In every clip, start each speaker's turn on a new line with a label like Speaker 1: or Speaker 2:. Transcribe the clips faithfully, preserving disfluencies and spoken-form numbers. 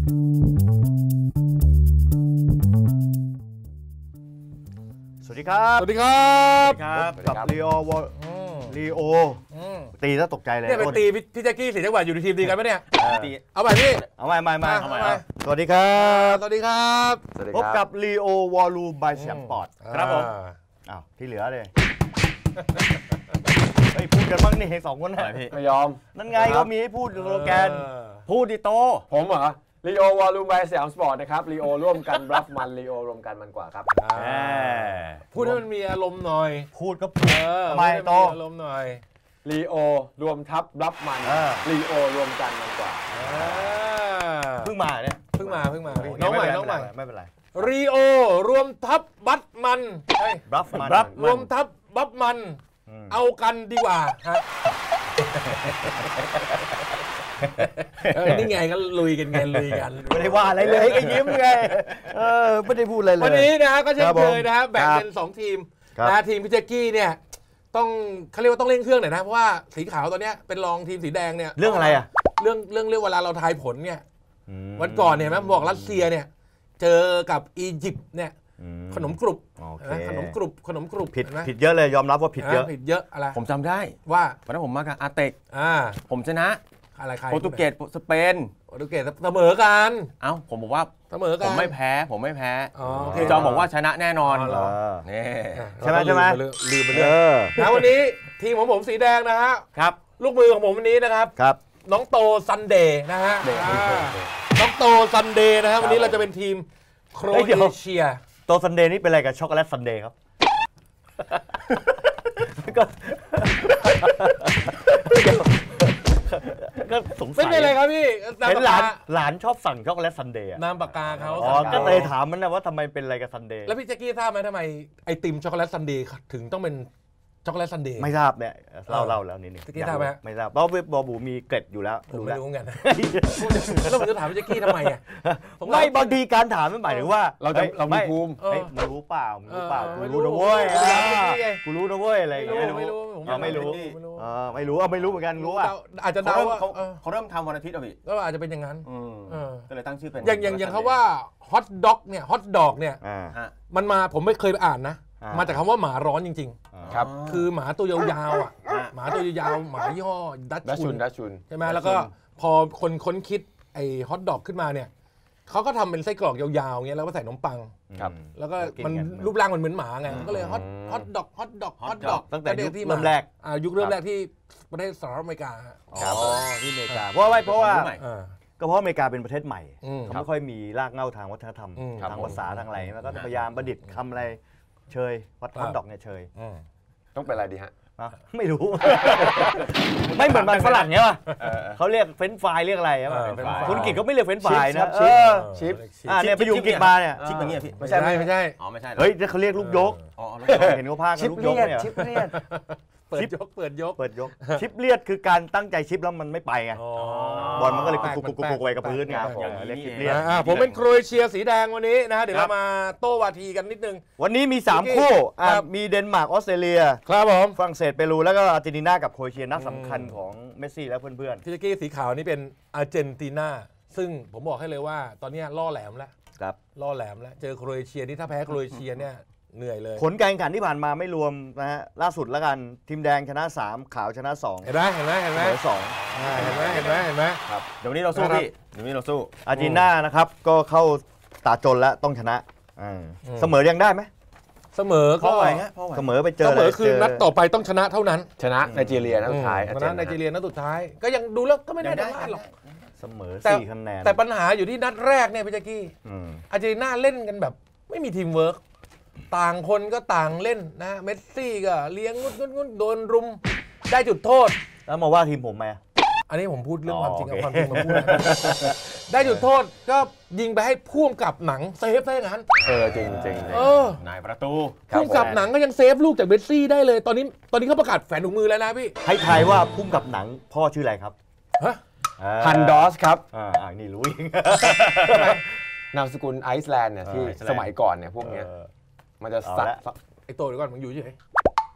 Speaker 1: สวัสดีครับ
Speaker 2: สวัสดีครับ
Speaker 1: ครับกับลีโอวอลีโอตีแล้วตกใจเลย
Speaker 2: เนี่ยเป็นตีพี่แจ็คกี้สีจังหวัดอยู่ในทีมดีกันไหมเนี่ยเอาไปพี่
Speaker 1: เอาไปไม่ไม่
Speaker 2: เอาไป
Speaker 1: สวัสดีครับ
Speaker 2: สวัสดีครับ
Speaker 1: พบกับลีโอวอลูบายแชมปอร์ต
Speaker 2: ครับผม
Speaker 1: อ้าวที่เหลือเลยเฮ้ยพูดกันบ้างนี่สองคนไหนพี่
Speaker 3: ไม่ยอม
Speaker 1: นั่นไงก็มีให้พูดสโลแกนพูดดิโต
Speaker 3: ผมเหรอลีโอวอลลุ่มไบสยามสปอร์ตนะครับลีโอร่วมกันรับมันลีโอรวมกันมันกว่าครับ
Speaker 2: พูดให้มันมีอารมณ์หน่อย
Speaker 1: พูดก็พูดไม่โต
Speaker 2: อารมณ์หน่อย
Speaker 3: ลีโอรวมทับรับมันลีโอรวมกันมันกว่า
Speaker 1: เพิ่งมาเนี่ย
Speaker 2: เพิ่งมาเพิ่งมาน้องใหม่น้องใหม่
Speaker 1: ไม่เป็นไร
Speaker 2: ลีโอรวมทับบัตมัน
Speaker 1: รับมัน
Speaker 2: รวมทับบัตมันเอากันดีกว่าฮะนี่ไงก็ลุยกันไงลุยกัน
Speaker 1: ไม่ได้ว่าอะไรเลยก็ยิ้มไงเออไม่ได้พูดอะไรเลย
Speaker 2: วันนี้นะฮะก็เช่นเคยนะฮะแบ่งเป็นสองทีมนะทีมพี่แจ็คกี้เนี่ยต้องเขาเรียกว่าต้องเร่งเครื่องหน่อยนะเพราะว่าสีขาวตอนนี้เป็นรองทีมสีแดงเนี่ย
Speaker 1: เรื่องอะไรอ่ะ
Speaker 2: เรื่องเรื่องเรื่องเวลาเราทายผลเนี่ยวันก่อนเนี่ยแม่บอกรัสเซียเนี่ยเจอกับอียิปต์เนี่ยขนมกรุบขนมกรุบขนมกรุบ
Speaker 1: ผิดผิดเยอะเลยยอมรับว่าผิดเยอะ
Speaker 2: ผิดเยอะอะไร
Speaker 4: ผมจำได้
Speaker 2: ว่า
Speaker 4: วันนั้นผมมากับอาเต็กผมชนะ
Speaker 2: อะไรใคร
Speaker 4: โปรตุเกสสเปน
Speaker 2: โปรตุเกสเสมอกัน
Speaker 4: เอ้าผมบอกว่า
Speaker 2: เสมอกัน
Speaker 4: ผมไม่แพ้ผมไม่แพ้จอมบอกว่าชนะแน่นอน
Speaker 1: นี่ใช่ไหมใช่ไหม
Speaker 2: ลืมไปเลยนะวันนี้ทีมของผมสีแดงนะฮะ
Speaker 1: ครับ
Speaker 2: ลูกมือของผมวันนี้นะครับ
Speaker 1: ครับ
Speaker 2: น้องโตซันเดย์นะฮะน้องโตซันเดย์นะฮะวันนี้เราจะเป็นทีมโครเอเชีย
Speaker 1: โตซันเดย์นี่เป็นอะไรกับช็อกโกแลตซันเดย์ครับก็สงสัย
Speaker 2: เป็นอะไรครับพี่
Speaker 1: เห็นหลานหลานชอบสั่งช็อกโกแลตซันเดย์
Speaker 2: นามปากกาเขา
Speaker 1: อ๋อก็เลยถามมันนะว่าทำไมเป็นอะไรกับซันเดย์
Speaker 2: แล้วพี่แจ็คกี้ทราบไหมทำไมไอติมช็อกโกแลตซันเดย์ถึงต้องเป็นช็อกโกแลตซันเดย์
Speaker 1: ไม่ทราบเนี่ยเล่าเล่าแล้วนิดนึง
Speaker 2: แจ็คกี้ทราบไหม
Speaker 1: ไม่ทราบเพราะบอบูมีเกร็ดอยู่แล้ว
Speaker 2: ผมไม่รู้กันแล้วผมจะถามพี่แจ็คกี้ทำไมอ่ะ
Speaker 1: ไม่บางทีการถามมันหมายถึงว่า
Speaker 3: เราจะเรามีภูมิ
Speaker 1: มึงรู้เปล่ามึงรู้เปล่ากูรู้นะเว้ยกูรู้นะเว้ยอะไรอย่างเงี้ย
Speaker 2: ไม่รู้
Speaker 1: ไม่รู้ไม่รู้ไม่รู้เหมือนกันรู้อ่ะ
Speaker 2: อาจจะเดาว่า
Speaker 4: เขาเริ่มทำวันอาทิตย์อ่ะพี่
Speaker 2: ก็อาจจะเป็นอย่างนั้น
Speaker 4: ก็เลยตั้งชื่อเป็น
Speaker 2: อย่างอย่างอย่างเขาว่าฮอทด็อกเนี่ยฮอทดอกเนี่ยมันมาผมไม่เคยไปอ่านนะมาจากคำว่าหมาร้อนจริง
Speaker 3: ๆครับ
Speaker 2: คือหมาตัวยาวๆอ่ะหมาตัวยาวหมายี่ห้อดัชชุน
Speaker 3: ดัชชุน
Speaker 2: ใช่ไหมแล้วก็พอคนค้นคิดไอ้ฮอทดอกขึ้นมาเนี่ยเขาก็ทำเป็นไส้กรอกยาวๆเงี้ยแล้วก็ใส่ขนมปังแล้วก็มันรูปร่างมันเหมือนหมาไงก็เลยฮอตฮอตดอกฮอตดอกฮอตดอก
Speaker 1: ตั้งแต่ยุคเริ่มแรก
Speaker 2: อ่ายุคเริ่มแรกที่ประเทศสหรัฐอเมริกา
Speaker 1: อ๋อที่อเมริกาเพราะว่าเพราะว่าก็เพราะอเมริกาเป็นประเทศใหม่เขาไม่ค่อยมีรากเหง้าทางวัฒนธรรมทางภาษาทางอะไรแล้วก็พยายามประดิษฐ์คำอะไรเชยฮอตดอกเนี่ยเชย
Speaker 3: ต้องเป็นอะไรดีฮะ
Speaker 1: ไม่รู้ไม่เหมือนมันฝรั่งเนี้ยป่ะเขาเรียกเฟรนช์ฟรายเรียกอะไรป่ะคุณกิจเขาไม่เรียกเฟรนช์ฟรายนะ
Speaker 3: ชิป
Speaker 1: อ่าเนี่ยไปอยู่กิจมาเนี่ย
Speaker 4: ชิปอย่างเงี้ยพี่
Speaker 2: ไม่ใช่ไม่ใช่
Speaker 4: อ๋อไม่ใช่
Speaker 1: เฮ้ยเขาเรียกลูกยกเห็นเขาพากันลูกยกเนี่ย
Speaker 3: ชิปเลียด
Speaker 2: เปิดยกเปิดยก
Speaker 1: เปิดยกชิปเลียดคือการตั้งใจชิปแล้วมันไม่ไปไงบอลมันก็เลยกุกกุกกุกกุกไปกับพื้นไงเรียกชิปเลียด
Speaker 2: ผมเป็นโครเอเชียสีแดงวันนี้นะฮะเดี๋ยวเรามาโต้วาทีกันนิดนึง
Speaker 1: วันนี้มีสามคู่มีเดนมาร์กออสเตรเลีย
Speaker 2: ครับผม
Speaker 1: ฝรั่งเศสเปรูแล้วก็อาร์เจนตินากับโครเอเชียนัดสำคัญของเมสซี่และเพื่อน
Speaker 2: ๆพี่แจ็คกี้สีขาวนี่เป็นอาร์เจนตินาซึ่งผมบอกให้เลยว่าตอนนี้ล่อแหลมแล้ว
Speaker 1: ครับ
Speaker 2: ล่อแหลมแล้วเจอโครเอเชียนี่ถ้าแพ้โครเอเชียเนี่ยเหนื่อยเลย
Speaker 1: ผลการแข่งขันที่ผ่านมาไม่รวมนะฮะล่าสุดแล้วกันทีมแดงชนะสามขาวชนะสอง
Speaker 2: เห็นไหมเห็นไหมเห็นไหม
Speaker 1: สอง
Speaker 2: เห็นไหมเห็นไหมเห็นไหม
Speaker 1: ครับ
Speaker 4: เดี๋ยวนี้เราสู้พี่เดี๋ยวนี้เราสู้
Speaker 1: อาร์เจนตินานะครับก็เข้าตาจนแล้วต้องชนะเสมอยังได้ไหม
Speaker 2: เสมอก็
Speaker 1: เสมอไปเจอ
Speaker 2: เสมอคือนัดต่อไปต้องชนะเท่านั้น
Speaker 3: ชนะไนจีเรียนัดสุดท้าย
Speaker 2: ชนะไนจีเรียนัดสุดท้ายก็ยังดูแล้วก็ไม่ได้ได้หรอก
Speaker 1: เสมอสี่คะแนน
Speaker 2: แต่ปัญหาอยู่ที่นัดแรกเนี่ยพี่แจ็คกี้อาร์เจนตินาเล่นกันแบบไม่มีทีมเวิร์กต่างคนก็ต่างเล่นนะเมสซี่ก็เลี้ยงงุดงุดงุดโดนรุมได้จุดโทษ
Speaker 1: แล้วมาว่าทีมผมไหม
Speaker 2: อันนี้ผมพูดเรื่องความจริงกับความจริงมาพูดได้จุดโทษก็ยิงไปให้พ่วงกับหนังเซฟได้งั้น
Speaker 3: เออจริงจริง
Speaker 2: เอ
Speaker 4: อนายประตู
Speaker 2: พ่วงกับหนังก็ยังเซฟลูกจากเมสซี่ได้เลยตอนนี้ตอนนี้เขาประกาศแฝงถุงมือแล้วนะพี่
Speaker 1: ให้ทายว่าพ่วงกับหนังพ่อชื่ออะไรครับ
Speaker 3: ฮันดอสครับ
Speaker 1: อ่านี่รู้อีก
Speaker 3: นามสกุลไอซ์แลนด์เนี่ยที่สมัยก่อนเนี่ยพวกเนี้ยมันจะสัก
Speaker 2: ไอโตเดี๋ยวก่อนมึงอยู่เฉย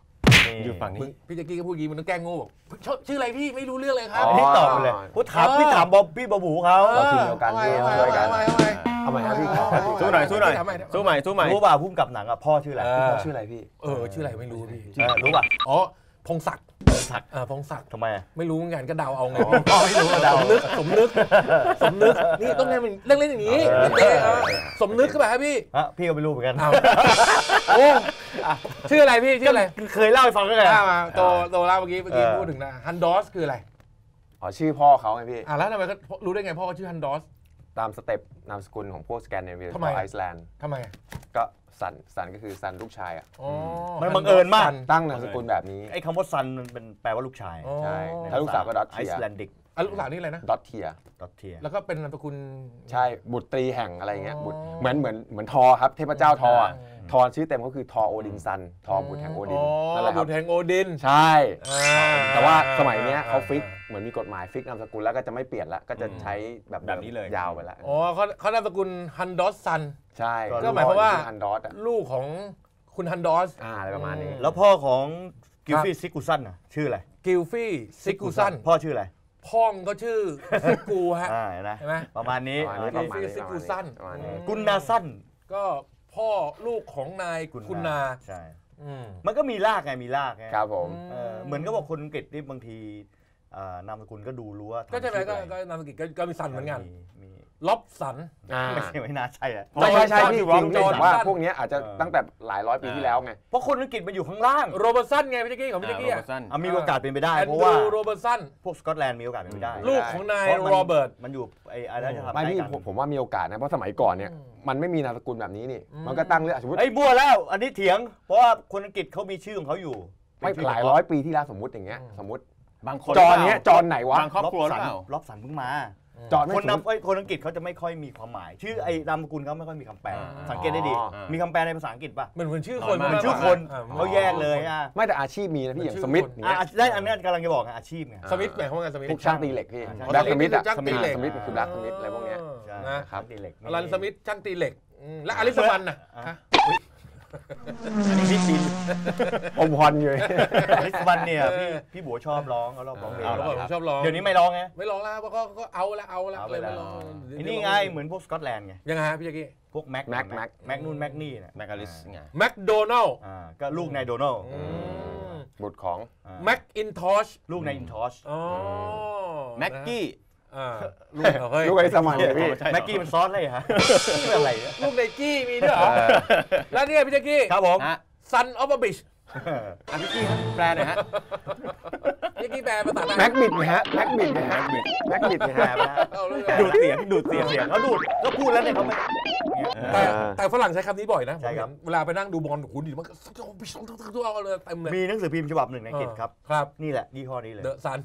Speaker 4: อยู่ฝั่งนี้
Speaker 2: พี่แจ็คกี้ก็พูดยีมันต้องแกล้งโง่บอกชื่ออะไรพี่ไม่รู้เรื่องเลยครับ
Speaker 1: นี่ตอบไปเลยพูดถามพี่ถามบ๊อบพี่บ๊อบบูเขา
Speaker 3: ทีมเดียวกันพี่ช่วยกันทำไมครับพี่
Speaker 4: สู้หน่อยสู้หน่อยสู้ใหม่สู้ใหม่
Speaker 1: รู้ป่ะพุ่มกับหนังอ่ะพ่อชื่ออะไร
Speaker 3: พ่อชื่ออะไรพี่
Speaker 2: เออชื่ออะไรไม่รู้พี่
Speaker 1: รู้ป่ะ
Speaker 2: อ๋อพงศักดิ์
Speaker 1: พงศักดิ์
Speaker 2: อ่าพงศักดิ์
Speaker 1: ทำไม
Speaker 2: ไม่รู้เหมือนกันก็เดาเอาไง
Speaker 1: พ่อไม่รู้เดา
Speaker 2: สมนึกสมนึกสมนึกนี่ต้องเล่นเรื่องเล่นอย่างนี้สมนึกก็แบบพี่
Speaker 1: ฮะพี่ก็ไม่รู้เหมือนกัน
Speaker 2: โอ้ชื่ออะไรพี่ชื่ออะไร
Speaker 1: เคยเล่าให้ฟังก็ไง
Speaker 2: มาโตโตเล่าเมื่อกี้เมื่อกี้พูดถึงนะฮันดอสคืออะไร
Speaker 3: อ๋อชื่อพ่อเขาไงพี่
Speaker 2: อ่าแล้วทำไมก็รู้ได้ไงพ่อเขาชื่อฮันดอส
Speaker 3: ตามสเต็ปนามสกุลของพวกสแกนดิเนเวียของไอซ์แลนด์
Speaker 2: ทำไม
Speaker 3: ก็ซันซันก็คือซันลูกชายอ่ะ
Speaker 1: มันบังเอิญมาก
Speaker 3: ตั้งนามสกุลแบบนี้
Speaker 1: ไอ้คำว่าซันมันเป็นแปลว่าลูกชาย
Speaker 3: ใช่ถ้าลูกสาวก็ดอทเทีย
Speaker 1: ไอซ์แลนดิก
Speaker 2: ลูกสาวนี่อะไรนะ
Speaker 3: ดอทเทีย
Speaker 1: ดอทเทีย
Speaker 2: แล้วก็เป็นนามสกุล
Speaker 3: ใช่บุตรีแห่งอะไรเงี้ยบุตรเหมือนเหมือนเหมือนทอครับเทพเจ้าทอทอชื่อเต็มก็คือทอโอดินซันทอบุตรแห่งโอดิน
Speaker 2: นั่นแหละครับบุตรแห่งโอดิน
Speaker 3: ใช่แต่ว่าสมัยนี้เขาฟิกเหมือนมีกฎหมายฟิกนามสกุลแล้วก็จะไม่เปลี่ยนละก็จะใช้แบบ
Speaker 4: แบบนี้เลย
Speaker 3: ยาวไปละ
Speaker 2: อ๋อเขาเขานามสกุลฮันดอสซัน
Speaker 3: ใช่
Speaker 2: ก็หมายความว่าลูกของคุณฮันดอส
Speaker 3: อะไรประมาณนี้
Speaker 1: แล้วพ่อของกิลฟี่ซิกูซันน่ะชื่ออะไร
Speaker 2: กิลฟี่ซิกูซัน
Speaker 1: พ่อชื่ออะไร
Speaker 2: พ่องก็ชื่อซิกูฮะ
Speaker 1: ใช่ไหมประมาณนี้
Speaker 2: กิลฟี่ซิกูซัน
Speaker 1: กุนนาซัน
Speaker 2: ก็พ่อลูกของนายกุนนา
Speaker 1: ใช่มันก็มีรากไงมีรากไง
Speaker 3: ครับผม
Speaker 1: เหมือนก็บอกคนอังกฤษที่บางทีนามสกุลก็ดูรู้ว่า
Speaker 2: ก็ใช่ไหมก็นามสกุลก็มีซันเหมือนกันล็อบสัน
Speaker 1: ไม่ใช่ไม่น่าใช่อะ
Speaker 3: ไม่ใช่ใช่พี่จริงๆว่าพวกนี้อาจจะตั้งแต่หลายร้อยปีที่แล้วไง
Speaker 1: เพราะคนอังกฤษมันอยู่ข้างล่าง
Speaker 2: โรเบิร์ตสันไงพี่แจ็คกี้ของพี่แจ็คกี้อ่
Speaker 1: ะมีโอกาสเป็นไปได้เพราะว่า
Speaker 2: โรเบิร์ตสัน
Speaker 1: พวกสกอตแลนด์มีโอกาสเป็นไปได้
Speaker 2: ลูกของนายโรเบิร์ต
Speaker 1: มันอยู่ไอ้อะไรจะทำ
Speaker 3: ไม่พี่ผมว่ามีโอกาสนะเพราะสมัยก่อนเนี่ยมันไม่มีนามสกุลแบบนี้นี่มันก็ตั้งเรื่องสมมติ
Speaker 1: ไอ้บัวแล้วอันนี้เถียงเพราะว่าคนอังกฤษเขามีชื่อของเขาอยู่
Speaker 3: ไม่หลายร้อยปีที่แล้วสมมติอย่างเงี้ยสมมติ
Speaker 4: บางคน
Speaker 3: จอนเนี้ยจอนไหนวะ
Speaker 4: บางครอบครัวหรือเปล่า
Speaker 1: ล็อบสันเพิ่งมา
Speaker 3: จอน
Speaker 1: คนนำคนอังกฤษเขาจะไม่ค่อยมีความหมายชื่อไอ้นามสกุลเขาไม่ค่อยมีคำแปลสังเกตได้ดีมีคำแปลในภาษาอังกฤษป่ะ
Speaker 2: เหมือนเหมือนชื่อคน
Speaker 1: เหมือนชื่อคนเขาแยกเลยอ่ะ
Speaker 3: ไม่แต่อาชีพมีนะพี่อย่างสมิธ
Speaker 1: ได้อันนี้กำลังจะบอกอาชีพไง
Speaker 2: สมิธหมายความว่าสมิธ
Speaker 3: พวกช่างตีเหล็กพี่แบล็กสมิธอะสมิธสมิธคือแบล็กสมิธอะไรพวกเนี้ย
Speaker 1: นะครับตีเหล็ก
Speaker 2: อลันสมิธช่างตีเหล็กและอลิสมันน่ะ
Speaker 1: อันนี้พี่บิน
Speaker 3: อมพรอยู่
Speaker 1: อลิสมันเนี่ยพี่พี่บัวชอบร้องเขาร้องร้องเพลง
Speaker 2: ชอบร้อง
Speaker 1: เดี๋ยวนี้ไม่ร้องไง
Speaker 2: ไม่ร้องแล้วเพราะก็ก็เอาละเอาละ
Speaker 1: เลยนี่ไงเหมือนพวกสกอตแลนด์ไง
Speaker 2: ยังไงฮะพี่แจ็คกี้
Speaker 1: พวกแม็ก
Speaker 3: แม็ก
Speaker 1: แม็กแม็กนู่นแม็กนี่
Speaker 4: แม็กอลิสไง
Speaker 2: แม็กโดนัล
Speaker 1: อ่าก็ลูกนายโดนัล
Speaker 3: บุตรของ
Speaker 2: แม็กอินทอช
Speaker 1: ลูกนายอินทอช
Speaker 4: แม็กกี้
Speaker 3: ลูกลูกไอ้สมัยพี่
Speaker 1: แม็กกี้มันซอสอะไรฮะอะไร
Speaker 2: ลูกไนกี้มีด้วยเหรอแล้วนี่พี่แจ็คกี้
Speaker 1: ครับผม
Speaker 2: Son of a bitch
Speaker 4: อ่ะพี่กี้แปลหน่อยฮะ
Speaker 2: พี่กี้แปลภาษาไทย
Speaker 3: แม็กบิดไงฮะแม็กบิดไงฮะแม็กบิดไงฮะ
Speaker 1: ดูดเสียงดูดเสียงเสียงเขาดูดก็พูดแล้วเนี่ยเขาไม่
Speaker 2: แต่แต่ฝรั่งใช้คำนี้บ่อยนะเวลาไปนั่งดูบอลคุณดิมันก็ตัวเอาเลยเต็มเลย
Speaker 1: มีหนังสือพิมพ์ฉบับหนึ่งในอังกฤษครับ
Speaker 2: ครับ
Speaker 1: นี่แหละยี่ห้อนี้เลย
Speaker 2: The Sun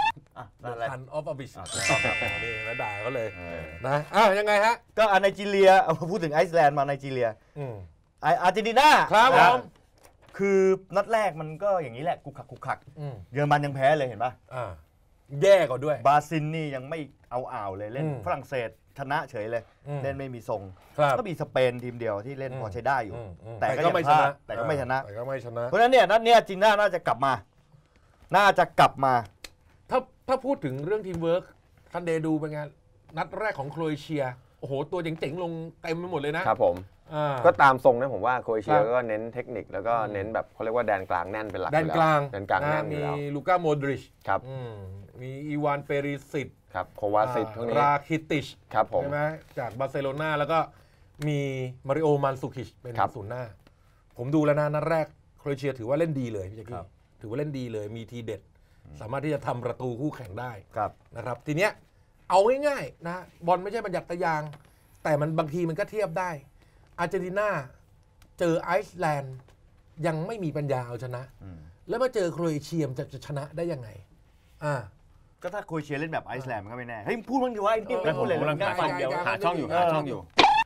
Speaker 1: The
Speaker 2: Sun of a bitch นี่แล้วด่าเขาเลยนะอ้าวยังไงฮะ
Speaker 1: ก็ไนจีเรียเอาพูดถึงไอซ์แลนด์มาไนจีเรียอาร์เจนตินา
Speaker 2: ครับผม
Speaker 1: คือนัดแรกมันก็อย่างนี้แหละกุกขักกุกขักเยอรมันยังแพ้เลยเห็นป่ะ
Speaker 2: แย่กว่าด้วย
Speaker 1: บราซิลนี่ยังไม่เอาอ่าวเลยเล่นฝรั่งเศสชนะเฉยเลยเล่นไม่มีทรงก็มีสเปนทีมเดียวที่เล่นพอใช้ได้อยู่แต่ก็ไม่ชนะแต่ก็ไม่ชนะ
Speaker 2: แต่ก็ไม่ชนะ
Speaker 1: เพราะฉะนั้นเนี่ยนัดเนี้ยจริงน่าจะกลับมาน่าจะกลับมา
Speaker 2: ถ้าถ้าพูดถึงเรื่องทีมเวิร์คทันเดย์ดูเป็นไงนัดแรกของโครเอเชียโอ้โหตัวเจ๋งๆลงเต็มไปหมดเลยนะครับ
Speaker 3: ผมก็ตามทรงนะผมว่าโครเอเชียก็เน้นเทคนิคแล้วก็เน้นแบบเขาเรียกว่าแดนกลางแน่นเป็นหลัก
Speaker 2: แดนกลาง
Speaker 3: แดนกลางแน่น
Speaker 2: มีลูก้าโมดริช
Speaker 3: ครับ
Speaker 2: มีอีวานเปริสิต
Speaker 3: ครับโควาซิตพวกนี้
Speaker 2: ราคิติช
Speaker 3: ครับผม
Speaker 2: ใช่ไหมจากบาร์เซโลนาแล้วก็มีมาริโอมันซูคิชเป็นศูนย์หน้าผมดูแล้วนะนัดแรกโครเอเชียถือว่าเล่นดีเลยพี่แจ็คกี้ถือว่าเล่นดีเลยมีทีเด็ดสามารถที่จะทำประตูคู่แข่งได้นะครับทีเนี้ยเอาง่ายๆนะบอลไม่ใช่บรรยัตยางแต่มันบางทีมันก็เทียบได้อาร์เจนตินาเจอไอซ์แลนด์ยังไม่มีปัญญาเอาชนะแล้วมาเจอโครเอเชียจะจะชนะได้ยังไงอ่า
Speaker 1: ก็ถ้าโครเอเชียเล่นแบบไอซ์แลนด์มันก็ไม่แน่เฮ้ยพูดบ้างดีว่าไอ้นี่ไม่พูดเลย
Speaker 4: กำลังหาช่องอยู่หาช่องอยู่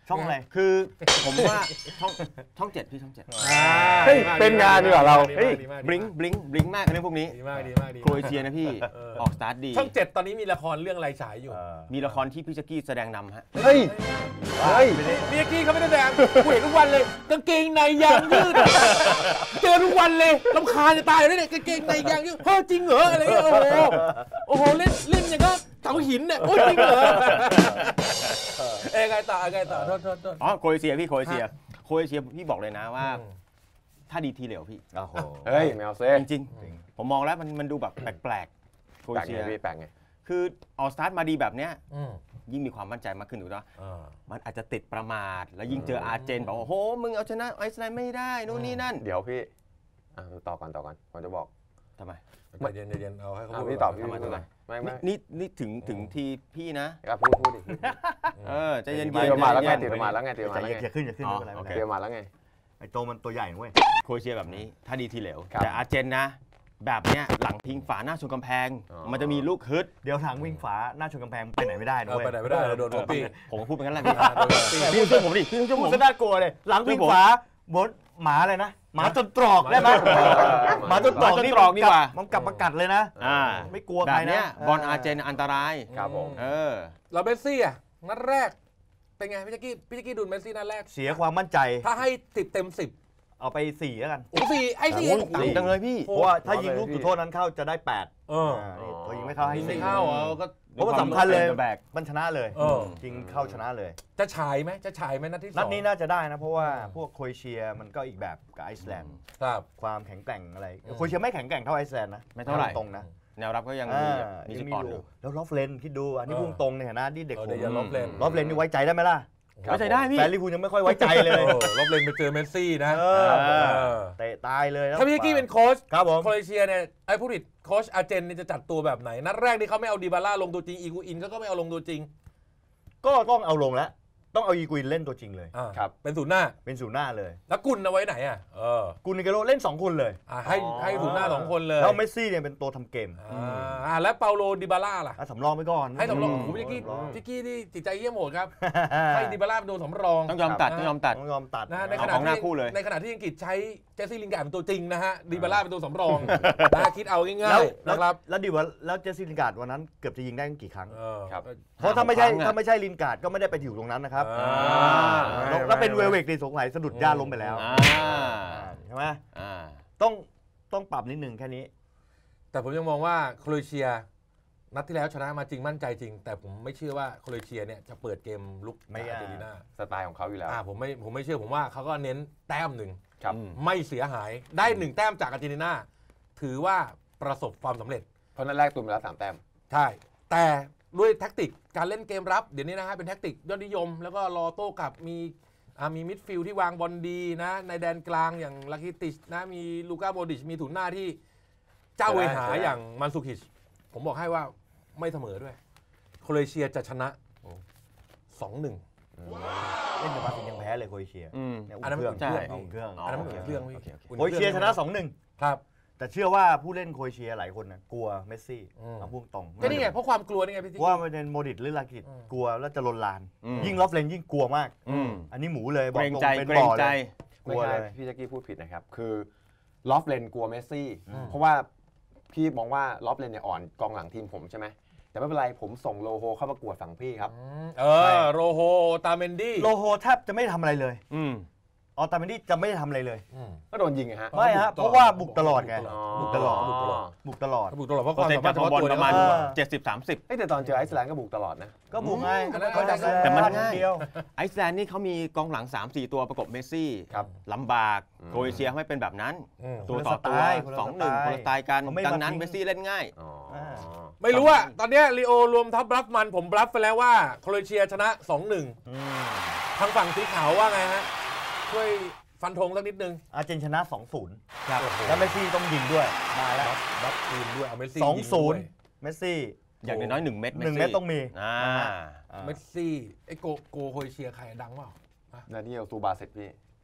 Speaker 1: ช่องอะไร
Speaker 4: คือผมว่าช่องช่องเจ็ดพี่ช่องเจ็ด
Speaker 3: เฮ้ยเป็นงานดีกว่าเรา
Speaker 4: เฮ้ยบลิงบลิงบลิงมากเรื่องพวกนี้
Speaker 2: ดีมากดีมากดี
Speaker 4: โครเอเชียนะพี่ออกสตาร์ทดี
Speaker 2: ช่องเจ็ดตอนนี้มีละครเรื่องอะไรฉายอยู่
Speaker 4: มีละครที่พี่แจ็คกี้แสดงนำฮะ
Speaker 3: เฮ้ยเฮ้ย
Speaker 2: เมียกี้เขาไม่ได้แสดงกูเห็นทุกวันเลยกางเกงในยางยืดเจอทุกวันเลยรำคาญจะตายเลยเนี่ยกางเกงในยางยืดเฮ้ยจริงเหรออะไรเงี้ยโอ้โหโอ้โหเล่นเล่นอย่างก็เสาหินเนี่ยโอ้ยจริงเหรอเอ้ยไงต่อไงต่อโทษโทษโทษ
Speaker 4: อ๋อโครเอเชียพี่โครเอเชียโครเอเชียพี่บอกเลยนะว่า ถ้าดีทีเหลวพี่
Speaker 1: โอ้โห
Speaker 3: เฮ้ยแมวเซ่
Speaker 4: จริงๆผมมองแล้วมันมันดูแบบแปลกๆโคร
Speaker 3: แปล
Speaker 4: เอก เชี
Speaker 3: ไง
Speaker 4: ย
Speaker 3: พี่แปลกไง
Speaker 4: คือออสตาร์ทมาดีแบบเนี้ย
Speaker 2: อืม
Speaker 4: ยิ่งมีความมั่นใจมากขึ้นถูกไหม
Speaker 2: อ่า
Speaker 4: มันอาจจะติดประมาทแล้วยิ่งเจออาร์เจนบอกว่าโอ้โหมึงเอาชนะไอซ์แลนด์ไม่ได้นู่นนี่นั่น
Speaker 3: เดี๋ยวพี่อ่ะต่อก่อนต่อก่อนผมจะบอก
Speaker 4: ทำไม
Speaker 2: ใจเย็นใจเย็นเอาให้เขา
Speaker 3: อ่ะ
Speaker 2: พูด
Speaker 3: พี่ตอบพี่
Speaker 4: ทำไม
Speaker 3: พูดหน่อยไม่ไม่
Speaker 4: นี่นี่ถึงถึงทีพี่นะ
Speaker 3: ครับพูดพูดดิ
Speaker 4: เออใจเย็นๆ
Speaker 3: ตีประมาทแล้วไง
Speaker 4: ใจ
Speaker 3: ตี
Speaker 4: เย็นๆ
Speaker 3: ประมาทแล้วไงตีประ
Speaker 1: ใจ
Speaker 3: มาทแล้ว
Speaker 1: เย็น
Speaker 3: ไง
Speaker 1: อย่าขึ้นอย่าขึ้น
Speaker 4: อ๋อ
Speaker 1: ไม่เป็นไร
Speaker 4: โอ
Speaker 1: ไม่
Speaker 4: เค
Speaker 1: เป็นไร
Speaker 3: ตีประมาทแล้วไง
Speaker 1: ไอ้โตมันตัวใหญ่นะเว้ย
Speaker 4: โครเอเชียแบบนี้ถ้าดีทีเหลว
Speaker 3: ครับ
Speaker 4: แต่อาร์เจนนะ แบบเนี้ยหลังพิงฝาหน้าชนกำแพง
Speaker 3: อ๋อ
Speaker 4: มันจะมีลูกฮึด
Speaker 1: เดี๋ยวทางวิ่งฝาหน้าชนกำแพงไปไหนไม่ได้นะ
Speaker 2: เอา
Speaker 1: เว้ย
Speaker 2: ไปไหนไม่ได้เลยโดนโดนปี
Speaker 4: ผมก็พูดเป็นงั้นแหละพี่
Speaker 2: โดนปี
Speaker 4: พี่ช่วยผมดิพี่ช่วยผ
Speaker 1: พูด
Speaker 4: ม
Speaker 1: ซะน่ากลัวเลยหลังวิ่งฝาบนหมาอะไรนะหมาจนตรอกได้ไหมหมาจนตรอก
Speaker 4: หมาจน
Speaker 1: นี่
Speaker 4: ตรอกดีกว่า
Speaker 1: มันกลับมากัดเลยนะ
Speaker 4: อ่า
Speaker 1: ไม่กลัว
Speaker 4: แบ
Speaker 1: ใคร
Speaker 4: บ
Speaker 1: นะ
Speaker 4: เนี้ยบอลอาร์เจนอันตราย
Speaker 3: ครับผม
Speaker 4: เออ
Speaker 2: เราเมสซี่อ่ะนัดแรกเป็นไงพี่แจ๊กกี้พี่แจ๊กกี้ดูเมสซี่นัดแรก
Speaker 1: เสียความมั่นใจ
Speaker 2: ถ้าให้สิบเต็มสิบ
Speaker 1: เอาไปสี่แล้วกัน
Speaker 2: โอ้สี่ไอ้สี่
Speaker 4: โอ้ยต่างจังเลยพี่
Speaker 1: เพราะว่าถ้ายิงลูกจุดโทษนั้นเข้าจะได้แปด
Speaker 2: เออ
Speaker 1: อ่านี่พอยิงไม่เข้าให้
Speaker 2: ยิงไม่
Speaker 1: สี่
Speaker 2: เข้าอ่ะก็
Speaker 1: เพราะว่าสำคัญเลย
Speaker 4: แบก
Speaker 1: มันชนะเลย
Speaker 2: เออ
Speaker 1: ยิงเข้าชนะเลย
Speaker 2: จะฉายไหมจะฉายไหมนัดที่สอง
Speaker 1: นัดนี้น่าจะได้นะ เพราะว่าพวกโครเอเชียมันก็อีกแบบกับไอซ์แลนด์
Speaker 2: ครับ
Speaker 1: ความแข็งแกร่งอะไร
Speaker 2: อืม
Speaker 1: โครเอเชียไม่แข็งแกร่งเท่าไอซ์แลนด์นะ
Speaker 4: ไม่เท่าไหร่
Speaker 1: ตรงๆนะ
Speaker 4: แนวรับก็ยัง
Speaker 1: อ่า
Speaker 4: มีมี
Speaker 1: ยั
Speaker 4: จุด
Speaker 1: งมี
Speaker 4: อ่อน
Speaker 1: อ
Speaker 4: อยู่ ยู่
Speaker 1: แล้วลอฟเลนคิดดูอันนี้
Speaker 2: เออ
Speaker 1: พุ่งตรงในฐานะที่เด็ก
Speaker 2: เออ
Speaker 1: ผ
Speaker 2: เดี๋ยว
Speaker 1: ม
Speaker 2: อย่าลบเลน
Speaker 1: ลอฟเลนนี่ไว้ใจได้ไหมล่ะ
Speaker 4: ไว้ใจได้พี่
Speaker 1: แฟนลิเวอร์พูลยังไม่ค่อยไว้ใจเลย
Speaker 2: โอ้ลบเลนไปเจอเมสซี่นะ
Speaker 1: เออ
Speaker 2: เออ
Speaker 1: เตะตายเลยแล้ว
Speaker 2: ถ้าพี่แจ๊กกี้เป็นโค้ช
Speaker 1: ครับผม
Speaker 2: โครเอเชียเนี่ยไอ้ผู้ผิดโค้ชอาร์เจนเนี่ยจะจัดตัวแบบไหนนัดแรกที่เขาไม่เอาดีบาร่าลงตัวจริงอีกูอินเขาก็ไม่เอาลงตัวจริง
Speaker 1: ก็ต้องเอาลงแล้ว ต้องเอาอีกุยนเล่นตัวจริงเลย
Speaker 2: อ่า
Speaker 3: ครับ
Speaker 2: เป็นศูนย์หน้า
Speaker 1: เป็นศูนย์หน้าเลย
Speaker 2: แล้วกุลเอาไว้ไหนอ่ะเออ
Speaker 1: กุนนิเกโรเล่นสองคนเลย
Speaker 2: อ่ะให้ให้ศูนย์หน้าสองคนเลย
Speaker 1: แล้วเมสซี่เนี่ยเป็นตัวทำเกม
Speaker 2: อ่าอ่าแล้วเปาโลดิบาร่าล่ะ
Speaker 1: อ่ะสำรองไปก่อน
Speaker 2: ให้สำรอง
Speaker 1: ม
Speaker 2: โอ้โหพี่กี้
Speaker 1: สำรอง
Speaker 2: พี่กี้นี่จิตใจเยี่ยมโหดครับ ให้ดิบาร่าเป็นตัวสำรอง
Speaker 4: ต้องยอมตัดต้องยอมตัด
Speaker 1: ต้องยอมตัด
Speaker 2: นะใน
Speaker 4: เอา
Speaker 2: ขณะ
Speaker 4: ของหน้า
Speaker 2: ที่
Speaker 4: คู่เลย
Speaker 2: ในขณะที่อังกฤษใช้เจสซี่ลินการ์ดเป็นตัวจริงนะฮะดิบาร่าเป็นตัวสำรองนะคิดเอาง่า
Speaker 1: แล้ว
Speaker 2: ยๆ
Speaker 1: แล้ว
Speaker 2: นะครับ
Speaker 1: แล้วดีว่าแล้วเจสซี่ลินการ์ดวันนั้นเกือบจะยิงได้กี่ครั้ง
Speaker 2: เออ
Speaker 3: ครับ
Speaker 1: เพราะถ้าไม่ใช่
Speaker 4: ครั้งอะ
Speaker 1: ถ้าไม่ใช่ลินการ์ดก็ไม่ได้ไปอยู่ตรงนั้นนะครับ
Speaker 2: อ่า
Speaker 1: แล้วแล้วเป็นเวลเวกในสงสัยสะดุดหญ้าล้มไปแล้ว
Speaker 4: อ่า
Speaker 1: ใช่ไหม
Speaker 4: อ่า
Speaker 1: ต้องต้องปรับนิดนึงแค่นี้
Speaker 2: แต่ผมยังมองว่าโครเอเชียนัดที่แล้วชนะมาจริงมั่นใจจริง แต่ผมไม่เชื่อว่าโครเอเชียเนี่ยจะเปิดเกมลุก
Speaker 1: ไม่
Speaker 2: อาร์เจนตินา
Speaker 3: สไตล์ของเขาอยู่แล้ว
Speaker 2: อ่าผมไม่ผมไม่เชื่อผมว่าเขาก็เน้นแต้มหนึ่ง
Speaker 3: ครับ
Speaker 2: ไม่เสียหายได้หนึ่งแต้มจากอาร์เจนตินาถือว่าประสบความสำเร็จ
Speaker 3: เพราะนัดแรกตุนไปแล้วสามแต้ม
Speaker 2: ใช่ แต่ด้วยแท็กติกการเล่นเกมรับเดี๋ยวนี้นะฮะเป็นแท็กติกยอดนิยม แล้วก็รอโต้กลับมีอ่ามีมิดฟิลด์ที่วางบอลดีนะในแดนกลางอย่างลาคิติชนะมีลูก้าโมดริชมีถุนหน้าที่เจ้าเวหา
Speaker 3: ใช่
Speaker 2: อย่างมันซูคิชผมบอกให้ว่าไม่เสมอด้วยโครเอเชียจะชนะ สองหนึ่ง
Speaker 1: เล่นกับบราซิลยังแพ้เลยโครเอเชีย
Speaker 4: อืม
Speaker 1: เนี่ย
Speaker 2: อันนั้น
Speaker 1: อุ่นเครื่อง
Speaker 2: ใช่
Speaker 1: อุ่นเครื่อง
Speaker 2: อันนั้นมันอุ่นเครื่องพี่
Speaker 4: โอเคโอเค
Speaker 2: อุ่น
Speaker 1: โครเอเชียชนะสองหนึ่ง
Speaker 2: ครับ
Speaker 1: แต่เชื่อว่าผู้เล่นโครเอเชียหลายคนนะกลัวเมสซี่
Speaker 2: อืม
Speaker 1: เอาพุ่งตรง
Speaker 2: ก็นี่ไงเพราะความกลัวนี่ไงพี่
Speaker 1: เพ
Speaker 2: จิ๊ก
Speaker 1: ราะว่ามันเป็นโมดิตหรือลากิต
Speaker 2: อืม
Speaker 1: กลัวแล้วจะลนลาน
Speaker 4: อืม
Speaker 1: ยิ่งลอฟเลนยิ่งกลัวมาก
Speaker 4: อืม
Speaker 1: อันนี้หมูเลยบ
Speaker 4: เก
Speaker 1: อก
Speaker 4: รง
Speaker 1: ตรง
Speaker 4: ใจ
Speaker 1: เป็น
Speaker 4: เกร
Speaker 1: บ่
Speaker 4: ง
Speaker 1: อ
Speaker 4: ใจ
Speaker 1: เลย กลั
Speaker 3: ไม่
Speaker 1: ว
Speaker 3: ใช่
Speaker 1: เลย
Speaker 3: พี่แจ็คกี้พูดผิดนะครับ คือลอฟเลนกลัวเมสซี่ เพราะว่าพี่มองว่าลอฟเลนเนี่ยอ่อนกองหลังทีมผมใช่ไหมแต่ไม่เป็นไรผมส่งโลโฮเข้าประกวดฝั่งพี่ครับ
Speaker 2: เออโรโฮตาเมนดี้
Speaker 1: โลโฮแทบจะไม่ทำอะไรเลย
Speaker 4: อืม
Speaker 1: ออตาเมนดี้จะไม่ทำอะไรเลย
Speaker 3: ก็โดนยิงไงฮะ
Speaker 1: ไม่ฮะเพราะว่าบุกตลอดไง
Speaker 2: บุกตลอด
Speaker 1: บุกตลอดบุกตลอด
Speaker 2: บุกตลอดเพราะค
Speaker 4: เปอ
Speaker 2: วา
Speaker 4: ร์
Speaker 2: ม
Speaker 4: เซ็นต์
Speaker 2: สามาร
Speaker 4: จาก
Speaker 2: ถเฉ
Speaker 4: บอล
Speaker 2: พาะตัว
Speaker 4: ประมาณ
Speaker 1: เออ
Speaker 4: เจ็ดสิบสามสิบ
Speaker 3: เอ้ยแต่ตอนเจอไอซ์แลนด์ก็บุกตลอดนะ
Speaker 1: ก็บุกไง
Speaker 2: อันนั้น
Speaker 1: เขาจะ
Speaker 4: แต่มันง่าย
Speaker 1: เดียว
Speaker 4: ไอซ์แลนด์นี่เขามีกองหลัง สามสี่ ตัวประกบเมสซี่
Speaker 3: ครับ
Speaker 4: ลำบาก
Speaker 3: อืม
Speaker 4: โครเอเชียไม่เป็นแบบนั้น
Speaker 2: อืม
Speaker 4: ตัวต่อตัวสองหนึ่งคนละสไตล์กัน
Speaker 1: เขาไม่
Speaker 4: ดัง
Speaker 1: มา
Speaker 4: นั้น
Speaker 1: ทิ้ง
Speaker 4: เมสซี่เล่นง่าย
Speaker 3: อ๋อ
Speaker 2: ไม่รู้อะตอนเนี้ยลีโอรวมทัพบลัฟมันผมบลัฟไปแล้วว่าโครเอเชียชนะ สองหนึ่ง
Speaker 1: อืม
Speaker 2: ทางฝั่งสีขาวว่าไงฮะช่วยฟันธงสักนิดนึง
Speaker 1: อาร์เจนชนะ สองศูนย์
Speaker 2: ครับ
Speaker 1: แล้วเมสซี่ต้องยิงด้วยมาแล้ว
Speaker 2: บลัฟทีมด้วยเอาเมสซี่
Speaker 1: สอง
Speaker 2: ยิ
Speaker 1: ศู
Speaker 2: ด้
Speaker 1: น
Speaker 2: ว
Speaker 1: ย์เมสซี่
Speaker 4: อย่างน้อยๆหนึ่งเม็ด
Speaker 1: หนึ่งเม็ดต้องมี
Speaker 4: อ่า
Speaker 1: นะฮะอ่า
Speaker 2: เมสซี่ไอ้โกโกโครเอเชียใครดังเปล่า
Speaker 3: ดานิเอลซูบาเซตพี่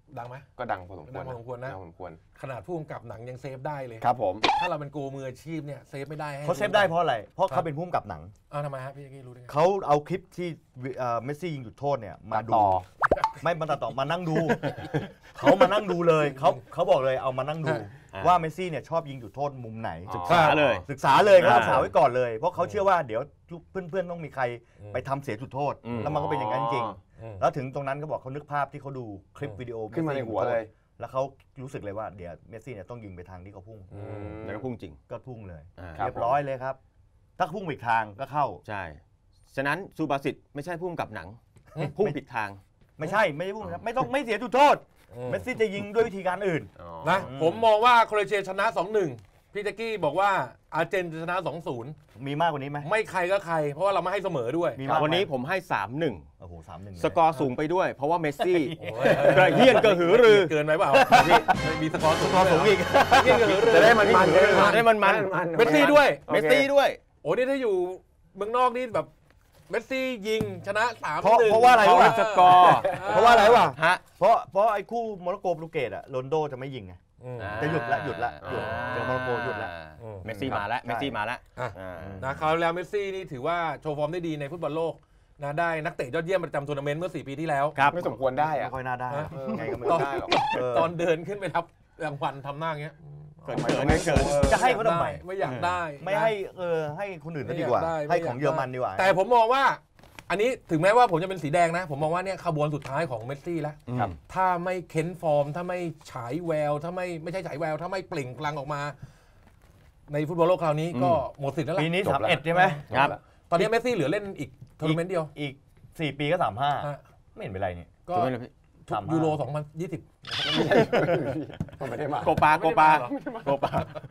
Speaker 2: ดังไหม
Speaker 3: ก็ดังพอสมควร
Speaker 2: ดังพอสมควรนะ
Speaker 3: ดังพอสมควร
Speaker 2: ขนาดผู้กำกับหนังยังเซฟได้เลย
Speaker 3: ครับผม
Speaker 2: ถ้าเราเป็นโกมืออาชีพเนี่ยเซฟไม่ได้ให้
Speaker 1: เขาเซฟได้เพราะอะไรเพราะเขาเป็นผู้กำกับหนัง
Speaker 2: อ้าวทำไมฮะพี่แจ็คกี้รู้ได้ไง
Speaker 1: เขาเอาคลิปที่เมสซี่ยิงจุดโทษเนี่ยมาดูไม่มาตัดต่อมานั่งดูเขามานั่งดูเลยเขาเขาบอกเลยเอามานั่งดูว่าเมสซี่เนี่ยชอบยิงจุดโทษมุมไหน
Speaker 4: ศึกษาเลย
Speaker 1: ศึกษาเลยเขาศึกษาไว้ก่อนเลยเพราะเขาเชื่อว่าเดี๋ยวเพื่อนๆต้องมีใครไปทำเสียจุดโทษแล้วมันก็เป็นอย่างนั้นจริงแล้วถึงตรงนั้นก็บอกเขานึกภาพที่เขาดูคลิปวิดีโอ
Speaker 3: ขึ้นมาในหัวเลย
Speaker 1: แล้วเขารู้สึกเลยว่าเดี๋ยวเมสซี่เนี่ยต้องยิงไปทางที่เขาพุ่ง
Speaker 4: แล้วก็พุ่งจริง
Speaker 1: ก็พุ่งเลยเรียบร้อยเลยครับถ้าพุ่งอีกทางก็เข้า
Speaker 4: ใช่ฉะนั้นซูบาสิตไม่ใช่พุ่งกับหนังพุ่งผิดทาง
Speaker 1: ไม่ใช่ไม่ใช่พุ่งครับไม่ต้องไม่เสียจุดโทษเมสซี่จะยิงด้วยวิธีการอื่น
Speaker 2: นะผมมองว่าโครเอเชียชนะ สองหนึ่ง พี่แจ็คกี้บอกว่าอาร์เจนจะชนะ สองศูนย์
Speaker 1: มีมากกว่านี้ไหม
Speaker 2: ไม่ใครก็ใครเพราะว่าเราไม่ให้เสมอด้วย
Speaker 4: วันนี้ผมให้ สามหนึ่ง
Speaker 1: โอ้โห สามหนึ่ง
Speaker 4: สกอร์สูงไปด้วยเพราะว่าเมสซี่กระเฮี้ยนกระหือรือ
Speaker 2: เกินไปเปล่ามีสกอร์
Speaker 1: สูงอีก
Speaker 3: จะได้มันมัน
Speaker 4: จะได้มันมัน
Speaker 2: เมสซี่ด้วย
Speaker 4: เมสซี่ด้วย
Speaker 2: โอ้นี่ถ้าอยู่เมืองนอกนี่แบบเมสซี่ยิงชนะ สามหนึ่ง
Speaker 1: เพราะว่าอะไรวะ
Speaker 4: สกอร์
Speaker 1: เพราะว่าอะไรวะฮะเพราะเพราะไอ้คู่โมร็อกโกโปรตุเกสอะโรนโดจะไม่ยิงไงจะหยุดละหยุดละหยุดเจอโมร็อกโกหยุดละ
Speaker 4: เมสซี่มาแล้วเมสซี่มาแล้ว
Speaker 2: นะคราวแล้วเมสซี่นี่ถือว่าโชว์ฟอร์มได้ดีในฟุตบอลโลกนะได้นักเตะยอดเยี่ยมประจำทัวร์นาเมนต์เมื่อสี่ปีที่แล้ว
Speaker 3: ไม่สมควรได้อะ
Speaker 1: ไม่ค่อยน่าได้
Speaker 3: ไงก็ไม่ได้หรอก
Speaker 2: ตอนเดินขึ้นไปรับรางวัลทำหน้าอย่างเงี้ย
Speaker 4: เกิดไม่เกิด
Speaker 1: จะให้เขาทำไม
Speaker 2: ไม่อยากได้
Speaker 1: ไม่ให้เออให้คนอื่นดีกว่าให้ของเยอรมันดีกว่า
Speaker 2: แต่ผมมองว่าอันนี้ถึงแม้ว่าผมจะเป็นสีแดงนะผมมองว่าเนี่ยขบวนสุดท้ายของเมสซี่แล้วถ้าไม่เค้นฟอร์มถ้าไม่ฉายแววถ้าไม่ไม่ใช่ฉายแววถ้าไม่เปล่งพลังออกมาในฟุตบอลโลกคราวนี้ก็หมดสิทธิ์แล้วล่ะ
Speaker 1: ปีนี้สามเอ็ดใช่ไหม
Speaker 2: ครับตอนนี้เมสซี่เหลือเล่นอีกทัวร์นาเมนต์เดียว
Speaker 1: อีกสี่ปีก็สามห้าไม่เห็นเป็นไรนี่
Speaker 2: ก็ยูโรสองพันยี่สิบ
Speaker 3: ไม่ได้มา
Speaker 4: โกปาโกปาโกปา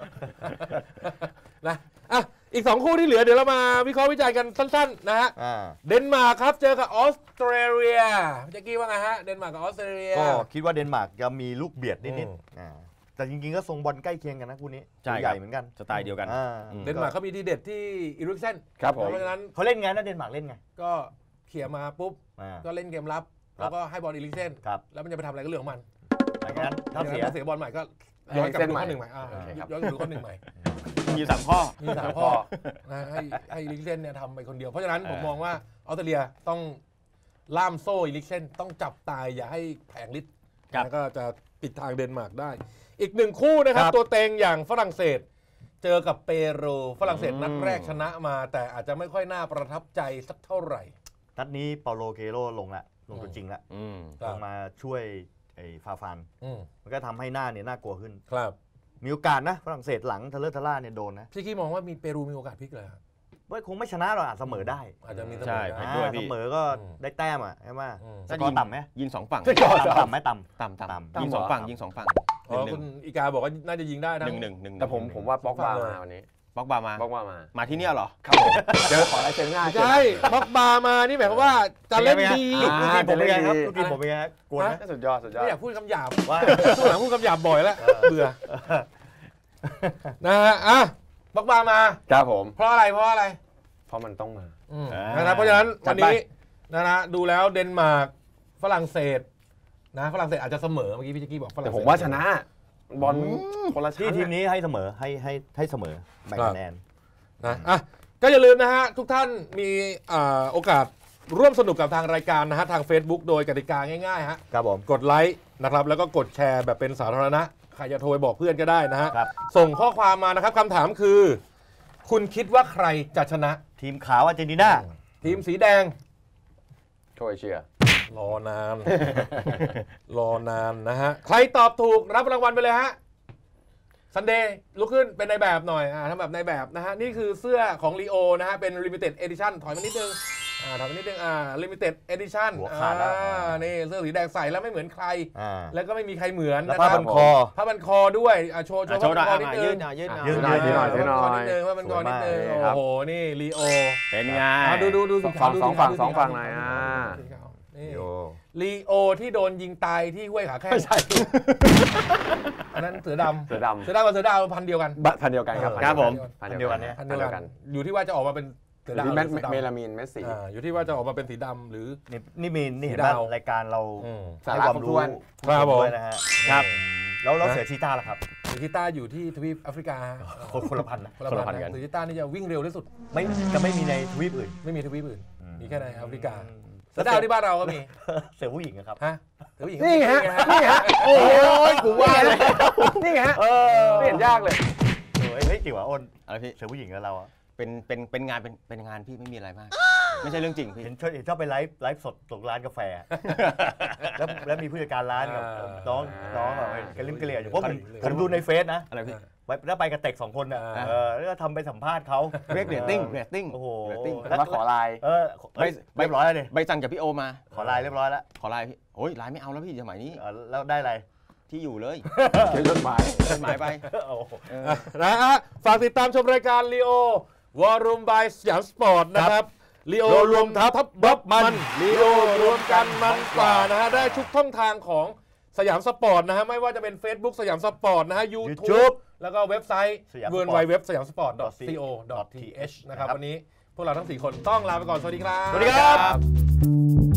Speaker 2: นะอ่ะอีกสองคู่ที่เหลือเดี๋ยวเรามาวิเคราะห์วิจัยกันสั้นๆนะฮะเดนมาร์กครับเจอกับออสเตรเลียพี่แจ็คกี้ว่าไงฮะเดนมาร์กกับออสเตรเลีย
Speaker 1: ก็คิดว่าเดนมาร์กจะมีลูกเบียดนิดๆแต่จริงๆก็ทรงบอลใกล้เคียงกันนะคู่นี้ใหญ่เหมือนกัน
Speaker 4: สไตล์เดียวกัน
Speaker 2: เดนมาร์กเขามีทีเด็ดที่อีริกเซน
Speaker 3: ครับผม
Speaker 2: เพราะฉะนั้น
Speaker 1: เขาเล่นไงนะเดนมาร์กเล่นไง
Speaker 2: ก็เขี่ยมาปุ๊บก็เล่นเกมรับแล้วก็ให้บอลอีริกเซนแล้วมันจะไปทำอะไรก็เรื่องของมัน
Speaker 1: อย่างนั้นถ้าเสีย
Speaker 2: เสียบอลใหม่ก็ย้อนกลับไปข้อหนึ่งใหม่ย้อนกลับไปข้อหนึ่งใหม่
Speaker 4: มีสามข้อ
Speaker 2: มีสามข้อนะให้ให้อีริกเซนเนี่ยทำไปคนเดียวเพราะฉะนั้นผมมองว่าออสเตรเลียต้องล่ามโซ่อีริกเซนต้องจับตายอย่าให้แผงฤทธิ์แล้วก็จะปิดทางเดนมาร์กได้อีกหนึ่งคู่นะครับตัวเต็งอย่างฝรั่งเศสเจอกับเปรูฝรั่งเศสนัดแรกชนะมาแต่อาจจะไม่ค่อยน่าประทับใจสักเท่าไหร่
Speaker 1: นัดนี้เปาโลเกโรลงละลงตัวจริงละลงมาช่วยไอ้ฟาฟานมันก็ทำให้หน้าเนี่ยน่ากลัวขึ้น
Speaker 2: ครับ
Speaker 1: มีโอกาสนะฝรั่งเศสหลังทะเลทะล่าเนี่ยโดนนะ
Speaker 2: พี่กี้มองว่ามีเปรูมีโอกาสพลิกเลยครับ
Speaker 1: ว่าคงไม่ชนะหรอกอาจเสมอได้
Speaker 2: อาจจะมีเสมอ
Speaker 1: ได้เสมอก็ได้แต้มอ่ะใช่ไหมสกอร์ต่ำไหม
Speaker 4: ยิงสองฝั่ง
Speaker 1: ต่ำไหมต่
Speaker 4: ำต่ำต่ำยิงสองฝั่งยิงสองฝั่ง
Speaker 2: อ๋อคุณอีกาบอกว่าน่าจะยิงได้
Speaker 4: นะหนึ่งหนึ่งหนึ่ง
Speaker 3: แต่ผมผมว่าบ็อกบามาวันนี้
Speaker 4: บ็อกบามา
Speaker 3: บ็อกบามา
Speaker 4: มาที่นี่เหรอ
Speaker 3: ครับผมเจอขอลายเซ็นง่าย
Speaker 2: ใช่บ็อกบามานี่หมายความว่าจะเล่นดี
Speaker 1: ลูกทีมผมเป็นไงครับลูกทีมผมเป็นไงกวนไหม
Speaker 3: สุดยอดสุดยอด
Speaker 2: ไม่อยากพูดคำหยาบว่าช่วงหลังพูดคำหยาบบ่อยแล้วเบื่อนะฮะอ่ะบ็อกบามา
Speaker 3: ครับผม
Speaker 2: เพราะอะไรเพราะอะไร
Speaker 3: เพราะมันต้องมา
Speaker 2: นะครับเพราะฉะนั้นวันนี้นะนะดูแล้วเดนมาร์กฝรั่งเศสนะฝรั่งเศสอาจจะเสมอเมื่อกี้พี่แจ็คกี้บอกฝรั่งเศส
Speaker 3: แต่ผมว่าชนะบอลคนละ
Speaker 1: ที่ทีมนี้ให้เสมอให้ให้ให้เสมอแบ่งคะแนน
Speaker 2: นะอ่ะก็อย่าลืมนะฮะทุกท่านมีโอกาสร่วมสนุกกับทางรายการนะฮะทาง Facebook โดยกติกาง่ายๆฮะ
Speaker 1: ครับผม
Speaker 2: กดไลค์นะครับแล้วก็กดแชร์แบบเป็นสาธารณะใครจะโทรไปบอกเพื่อนก็ได้นะฮะส่งข้อความมานะครับคำถามคือคุณคิดว่าใครจะชนะ
Speaker 1: ทีมขาวอาร์เจนตินา
Speaker 2: ทีมสีแดง
Speaker 3: โครเอเชีย
Speaker 2: รอนานรอนานนะฮะใครตอบถูกรับรางวัลไปเลยฮะซันเดย์ลุกขึ้นเป็นในแบบหน่อยอ่าทำแบบในแบบนะฮะนี่คือเสื้อของลีโอนะฮะเป็น Limited Edition ถอยมานิดนึงอ่าถอยมานิดนึงอ่า Limited Edition
Speaker 1: หัวขาดแล้ว
Speaker 2: นี่เสื้อสีแดงใส่แล้วไม่เหมือนใครแล้วก็ไม่มีใครเหมือน
Speaker 1: นะครับผ้าพันคอ
Speaker 2: ผ้าพันคอด้วยอ่าโชว์โชว์ผ้าพันคอนิดนึง
Speaker 4: ยืดหน่อยยืดหน่อยยืด
Speaker 3: หน่อยยืดหน่อยยืดหน่อย
Speaker 2: ผ้าพันคอนิดนึงโอ้โหนี่ลีโอ
Speaker 4: เป็นไง
Speaker 2: ดูดูดู
Speaker 3: ฝั่งสองฝั่งสองฝั่งหน่อยอ่า
Speaker 2: ลีโอที่โดนยิงตายที่ห้วยขาแข้ง
Speaker 3: ไม่ใช่
Speaker 2: อันนั้นเสือดำ
Speaker 3: เสือดำ
Speaker 2: เสือดำกับเสือดาวพันเดียวกัน
Speaker 3: พันเดียวกันครับ
Speaker 4: ครับผม
Speaker 3: พันเดียวกัน
Speaker 2: พันเดียวกันอยู่ที่ว่าจะออกมาเป็นเสือดาว
Speaker 3: เมลามีนเมสซี่
Speaker 2: อยู่ที่ว่าจะออกมาเป็นสีดำหรือ
Speaker 1: นี่นี่มีนี่เห็นไหมรายการเรา
Speaker 3: สาระครบถ้วน
Speaker 2: ครับผม
Speaker 1: นะฮะครับแล้วเราเสือชีต้าล่ะครับ
Speaker 2: เสือชีต้าอยู่ที่ทวีปแอฟริกา
Speaker 1: คนละพันนะ
Speaker 2: คนละพันกันเสือชีต้านี่จะวิ่งเร็วที่สุด
Speaker 1: ไม่จะไม่มีในทวีปอื่น
Speaker 2: ไม่มีทวีปอื่นมีแค่ในแอฟริกาเสือดาวที่บ้านเราก็มี
Speaker 1: เสือผู้หญิงครับ
Speaker 2: ฮะเสือผู้หญิง
Speaker 3: นี่ฮะนี่ฮะโอ้ยกูว่าเลยนี่ฮะไม่เห็นยากเลย
Speaker 1: เฮ้ยจิ๋วอ้น
Speaker 4: อะไรพี่
Speaker 1: เสือผู้หญิงกับเราอะ
Speaker 4: เป็นเป็นเป็นงานเป็นเป็นงานพี่ไม่มีอะไรมากไม่ใช่เรื่องจริงพี่
Speaker 1: เห็นชอบเห็นชอบไปไลฟ์ไลฟ์สดตรงร้านกาแฟแล้วแล้วมีผู้จัดการร้านกับน้องน้องแบบกระลิ่มกระเหลี่ยอยู่เพราะผมผมดูในเฟซนะ
Speaker 4: อะไรพี่
Speaker 1: แล้วไปกับเต็กสองคนอ่ะแล้วก็ทำไปสัมภาษณ์เขา
Speaker 4: เรียกเรตติ้งเรตติ้ง
Speaker 1: โอ้โห
Speaker 3: แล้วขอไลน์
Speaker 1: เออเรียบร้อยเลย
Speaker 4: ใบสั่งจากพี่โอมา
Speaker 1: ขอไลน์เรียบร้อยแล้ว
Speaker 4: ขอไลน์พี่โอ้ยไลน์ไม่เอาแล้วพี่สมัยนี้
Speaker 1: แล้วได้อะไร
Speaker 4: ที่อยู่เลย
Speaker 3: เขียนจดหมาย
Speaker 4: จดหมายไป
Speaker 2: นะฮะฝากติดตามชมรายการลีโอวอรุ่มบายสยามสปอร์ตนะครับลีโอรวมทัพบัฟมันลีโอรวมกันมันกว่านะฮะได้ทุกช่องทางของสยามสปอร์ตนะฮะไม่ว่าจะเป็น Facebook สยามสปอร์ตนะฮะ YouTube แล้วก็เว็บไซต์ ดับเบิลยู ดับเบิลยู ดับเบิลยู ดอท สยามสปอร์ต ดอท ซี โอ ดอท ที เอช นะครับวันนี้พวกเราทั้งสี่คนต้องลาไปก่อนสวัสดีครับ
Speaker 1: สวัสดีครับ